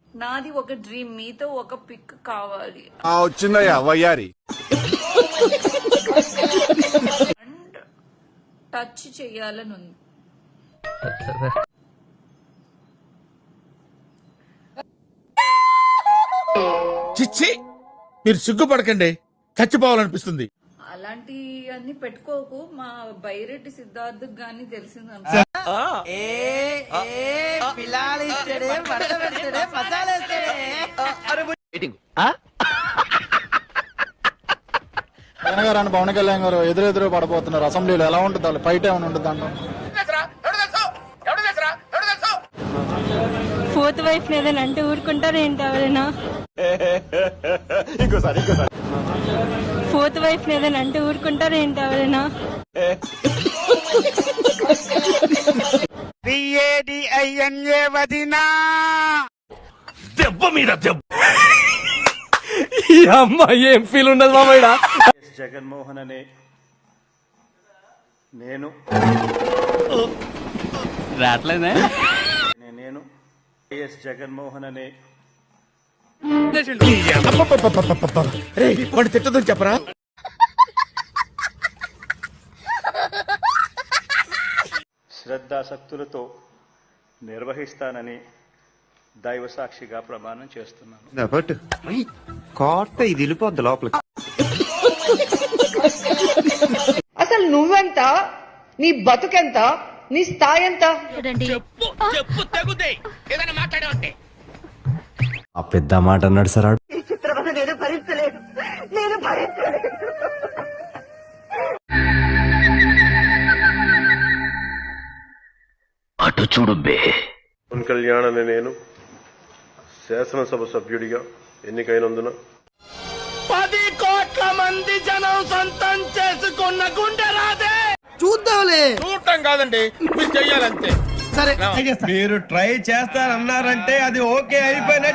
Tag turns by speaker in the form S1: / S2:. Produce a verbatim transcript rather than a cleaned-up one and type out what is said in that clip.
S1: నాది ఒక డ్రీమ్, మీతో ఒక పిక్ కావాలి.
S2: వచ్చిందయ్యా వయ్యారి.
S1: అండ్ టచ్ చెయ్యాలని ఉంది.
S3: చిచ్చి, మీరు సిగ్గుపడకండి, చచ్చిపోవాలనిపిస్తుంది.
S1: అలాంటి అన్ని పెట్టుకోకు. మా బైరెడ్డి సిద్ధార్థ్ గాని తెలిసింది.
S4: జగన్ గారు అని పవన్ కళ్యాణ్ గారు ఎదురెదురు పడబోతున్నారు అసెంబ్లీలో. ఎలా ఉంటుంది వాళ్ళు ఫైట్ ఏమైనా ఉంటుంది దాంట్లో?
S5: ఫోర్త్ వైఫ్ లేదని అంటే ఊరుకుంటారు ఏంటి ఎవరైనా? ఫోర్త్ వైఫ్ లేదని అంటే ఊరుకుంటారు ఏంటి ఎవరైనా?
S3: దెబ్బ మీద దెబ్బ. ఈ అమ్మాయి ఏం ఫీల్ ఉండదు మామయ్య.
S6: జగన్మోహన్ అనే నేను
S3: రాట్లేదే
S6: నేను వైఎస్ జగన్మోహన్ అనే
S3: వాడు తిట్టదని చెప్పరా?
S6: శ్రద్ధాసక్తులతో నిర్వహిస్తానని దైవ సాక్షిగా ప్రమాణం చేస్తున్నాను.
S7: కోట ఇది వెళ్ళిపోద్ది లోపలికి.
S8: అసలు నువ్వెంత, నీ బతుకెంత, నీ స్థాయి ఎంత?
S7: ఆ పెద్ద మాట అన్నాడు సార్.
S8: నేను భరించలేదు, నేను భరించలేదు.
S3: అటు చూడు బే.
S9: పవన్ కళ్యాణ్ అనే నేను శాసనసభ సభ్యుడిగా ఎన్నికైనందున
S3: పది కోట్ల మంది జనం సొంతం చేసుకున్న గుండె రాదే.
S4: చూద్దాంలే.
S3: చూడటం కాదండి, మీరు చెయ్యాలంతే.
S4: సరే
S7: మీరు ట్రై చేస్తారన్నారంటే అది ఓకే అయిపోయిన